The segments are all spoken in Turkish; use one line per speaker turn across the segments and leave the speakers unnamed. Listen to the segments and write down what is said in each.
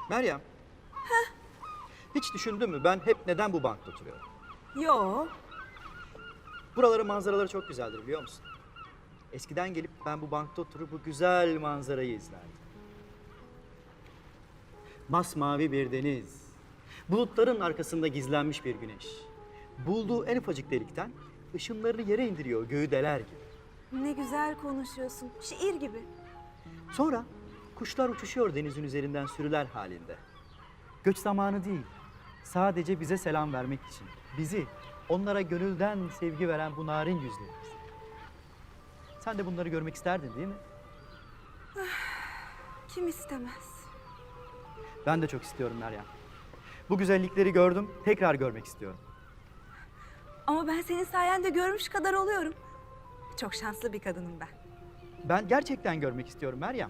Meryem. Hiç düşündün mü ben hep neden bu bankta oturuyorum?
Yo.
Buraların manzaraları çok güzeldir biliyor musun? Eskiden gelip ben bu bankta oturup bu güzel manzarayı izlerdim. Masmavi bir deniz, bulutların arkasında gizlenmiş bir güneş. Bulduğu en ufacık delikten ışınlarını yere indiriyor göğü deler gibi.
Ne güzel konuşuyorsun. Şiir gibi.
Sonra kuşlar uçuşuyor denizin üzerinden sürüler halinde. Göç zamanı değil, sadece bize selam vermek için. Bizi, onlara gönülden sevgi veren bu narin yüzlerimiz. Sen de bunları görmek isterdin değil mi?
Kim istemez?
Ben de çok istiyorum Meryem. Bu güzellikleri gördüm, tekrar görmek istiyorum.
Ama ben senin sayende görmüş kadar oluyorum. Çok şanslı bir kadınım ben.
Ben gerçekten görmek istiyorum Meryem.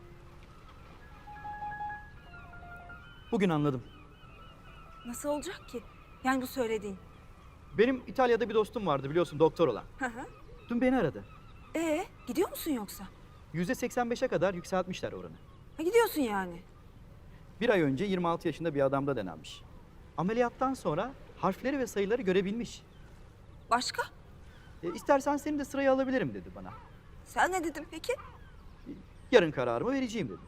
Bugün anladım.
Nasıl olacak ki? Yani bu söylediğin.
Benim İtalya'da bir dostum vardı biliyorsun doktor olan.
Hı hı.
Dün beni aradı.
Gidiyor musun yoksa?
%85'e kadar yükseltmişler oranı.
Ha, gidiyorsun yani.
Bir ay önce 26 yaşında bir adamda denenmiş. Ameliyattan sonra harfleri ve sayıları görebilmiş.
Başka?
İstersen seni de sıraya alabilirim dedi bana.
Sen ne dedin peki?
Yarın kararımı vereceğim dedi.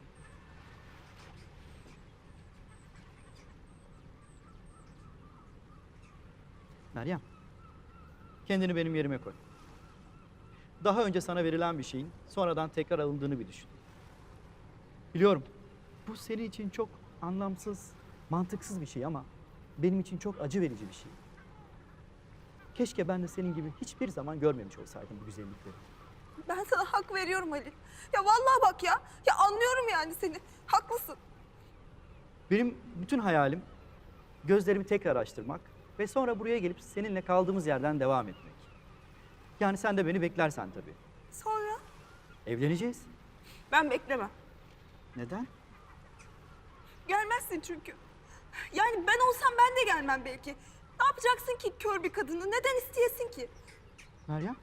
Meryem, kendini benim yerime koy. Daha önce sana verilen bir şeyin sonradan tekrar alındığını bir düşün. Biliyorum, bu senin için çok anlamsız, mantıksız bir şey ama benim için çok acı verici bir şey. Keşke ben de senin gibi hiçbir zaman görmemiş olsaydım bu güzellikleri.
Ben sana hak veriyorum Halil. Ya vallahi bak ya. Ya anlıyorum yani seni. Haklısın.
Benim bütün hayalim gözlerimi tekrar açtırmak ve sonra buraya gelip seninle kaldığımız yerden devam etmek. Yani sen de beni beklersen tabii.
Sonra?
Evleneceğiz.
Ben beklemem.
Neden?
Gelmezsin çünkü. Yani ben olsam ben de gelmem belki. Ne yapacaksın ki kör bir kadını? Neden isteyesin ki?
Meryem,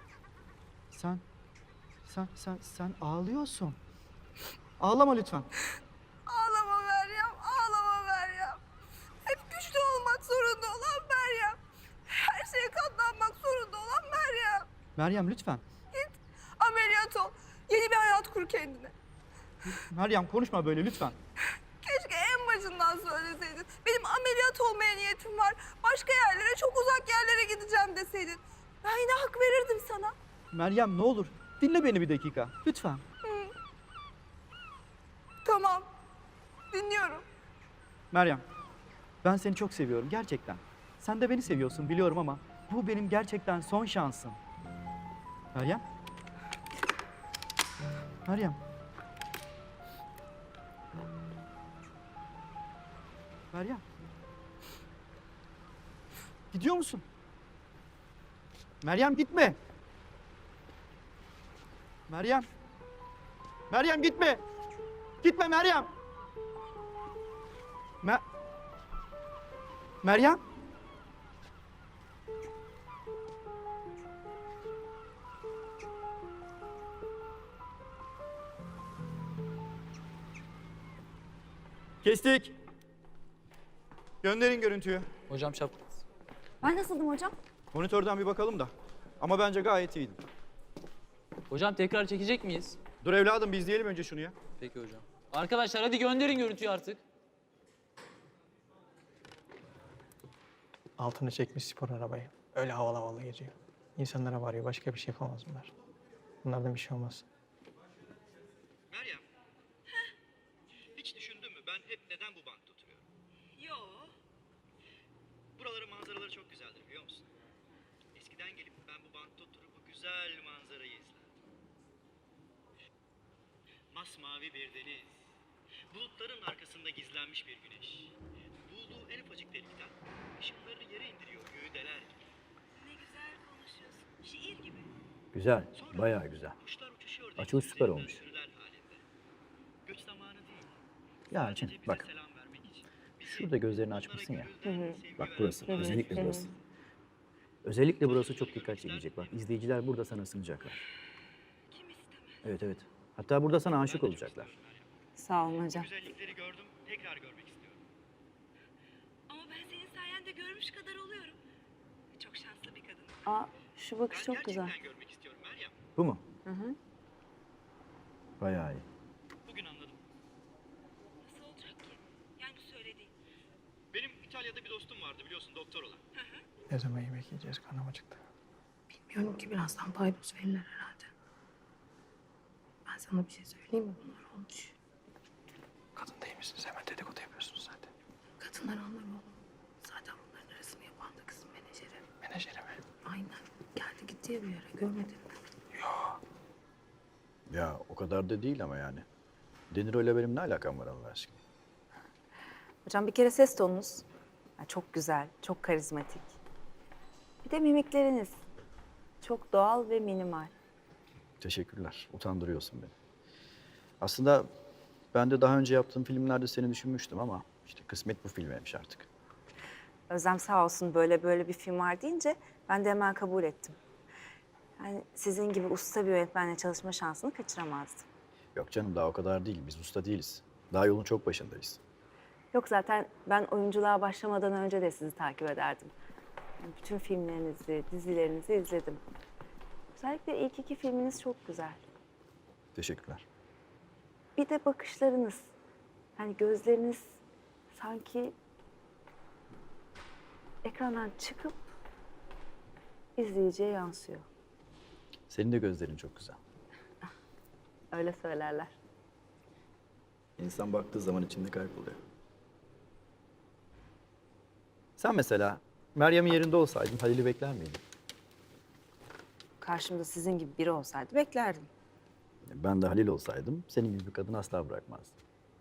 sen ağlıyorsun. Ağlama lütfen.
Ağlama Meryem, ağlama Meryem. Hep güçlü olmak zorunda olan Meryem. Her şeye katlanmak zorunda olan Meryem.
Meryem lütfen.
Git, ameliyat ol. Yeni bir hayat kur kendine.
Meryem konuşma böyle lütfen.
Keşke en başından söyleseydin. Benim ameliyat olmaya niyetim var. Başka yerlere, çok uzak yerlere gideceğim deseydin. Ben yine hak verirdim sana.
Meryem ne olur dinle beni bir dakika. Lütfen.
Tamam, dinliyorum.
Meryem, ben seni çok seviyorum gerçekten. Sen de beni seviyorsun biliyorum ama bu benim gerçekten son şansım. Meryem? Meryem. Meryem. Gidiyor musun? Meryem gitme. Meryem. Meryem gitme. Gitme Meryem. Meryem. Kestik. Gönderin görüntüyü.
Hocam şap.
Ben nasıldım hocam?
Monitörden bir bakalım da. Ama bence gayet iyiydi.
Hocam tekrar çekecek miyiz?
Dur evladım bir izleyelim önce şunu ya.
Peki hocam. Arkadaşlar hadi gönderin görüntüyü artık.
Altını çekmiş spor arabayı. Öyle havalı havalı geziyor. İnsanlara varıyor. Başka bir şey yapamaz bunlar. Bunlardan bir şey olmaz.
Meryem. Hiç düşündün mü ben hep neden bu bankta oturuyorum?
Yo.
Buraların manzaraları çok güzeldir biliyor musun? Eskiden gelip ben bu bankta oturup bu güzel manzarayı izlerdim. Masmavi bir deniz, bulutların arkasında gizlenmiş bir güneş. Bulduğu en ufacık delikten ışınlarını yere indiriyor göğü deler gibi.
Ne güzel konuşuyorsun. Şiir gibi.
Güzel, bayağı güzel.
Kuşlar uçuşuyor
Açılış
denizin
süper
üzerinden
olmuş.
sürüler halinde. Göç zamanı değil.
Ya
Sadece
Elçin,
bize
bak.
selam vermek için. Bizi,
Şurada gözlerini
onlara
açmışsın ya.
gönülden sevgi
Bak
veren
burası,
bu narin
özellikle
yüzlerimiz.
burası. Özellikle burası çok dikkat çekecek. Bak izleyiciler burada sana ısınacaklar.
Kim istemez?
Evet evet. Hatta burada sana aşık olacaklar.
Sağ olun hocam.
Güzellikleri gördüm, tekrar görmek istiyorum.
de görmüş kadar oluyorum. Çok şanslı bir kadın.
Aa, şu bakış çok güzel.
Bu mu?
Hı hı.
Bayağı iyi.
Bugün anladım.
Nasıl olacak ki? Yani bu söylediğin.
Benim İtalya'da bir dostum vardı biliyorsun doktor olan.
Ne zaman yemek yiyeceğiz? Karnım acıktı.
Bilmiyorum ki birazdan paydos verirler herhalde. Ben sana bir şey söyleyeyim mi? Bunlar olmuş.
Kadın değil misiniz? Hemen dedikodu yapıyorsunuz zaten.
Kadınlar anlar oğlum. Zaten bunların arasını yapan da kızın menajeri.
Menajeri mi?
Aynen. Geldi gitti ya bir yere. Görmedin mi?
Ya o kadar da değil ama yani. Deniro ile benim ne alakam var Allah aşkına?
Hocam bir kere ses tonunuz çok güzel, çok karizmatik. Bir de mimikleriniz çok doğal ve minimal.
Teşekkürler. Utandırıyorsun beni. Aslında ben de daha önce yaptığım filmlerde seni düşünmüştüm ama işte kısmet bu filmeymiş artık.
Özlem sağ olsun böyle bir film var deyince ben de hemen kabul ettim. Yani sizin gibi usta bir yönetmenle çalışma şansını kaçıramazdım.
Yok canım daha o kadar değil. Biz usta değiliz. Daha yolun çok başındayız.
Yok zaten ben oyunculuğa başlamadan önce de sizi takip ederdim. Yani bütün filmlerinizi, dizilerinizi izledim. Özellikle ilk 2 filminiz çok güzel.
Teşekkürler.
Bir de bakışlarınız. Yani gözleriniz sanki ekrandan çıkıp izleyiciye yansıyor.
Senin de gözlerin çok güzel.
Öyle söylerler.
İnsan baktığı zaman içinde kayboluyor. Sen mesela Meryem'in yerinde olsaydın Halil'i bekler miydin?
Karşımda sizin gibi biri olsaydı beklerdim.
Ben de Halil olsaydım senin gibi bir kadını asla bırakmazdım.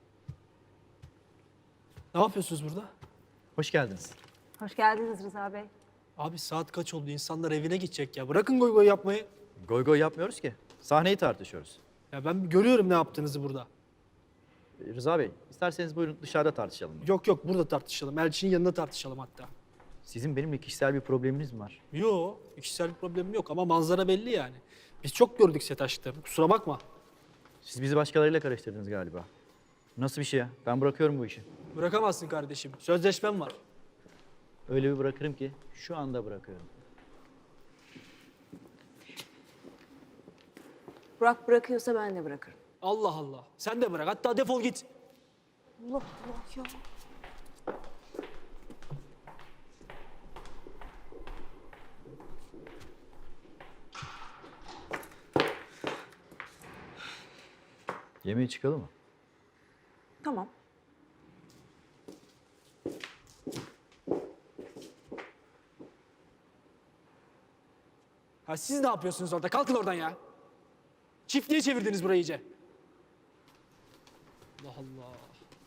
Ne yapıyorsunuz burada?
Hoş geldiniz.
Hoş geldiniz Rıza Bey.
Abi saat kaç oldu? İnsanlar evine gidecek ya. Bırakın goy goy yapmayı.
Goy goy yapmıyoruz ki. Sahneyi tartışıyoruz.
Ya ben görüyorum ne yaptığınızı burada.
Rıza Bey, isterseniz buyurun dışarıda tartışalım.
Yok yok burada tartışalım. Elçinin yanında tartışalım hatta.
Sizin benimle kişisel bir probleminiz mi var?
Yo, kişisel bir problemim yok ama manzara belli yani. Biz çok gördük set aşklarını. Kusura bakma.
Siz bizi başkalarıyla karıştırdınız galiba. Nasıl bir şey ya? Ben bırakıyorum bu işi.
Bırakamazsın kardeşim. Sözleşmem var.
Öyle bir bırakırım ki şu anda bırakıyorum.
Burak bırakıyorsa ben de bırakırım.
Allah Allah. Sen de bırak. Hatta defol git.
Allah Allah ya.
Yemeğe çıkalım mı?
Tamam.
Ha siz ne yapıyorsunuz orada? Kalkın oradan ya. Çiftliğe çevirdiniz burayı iyice. Allah Allah.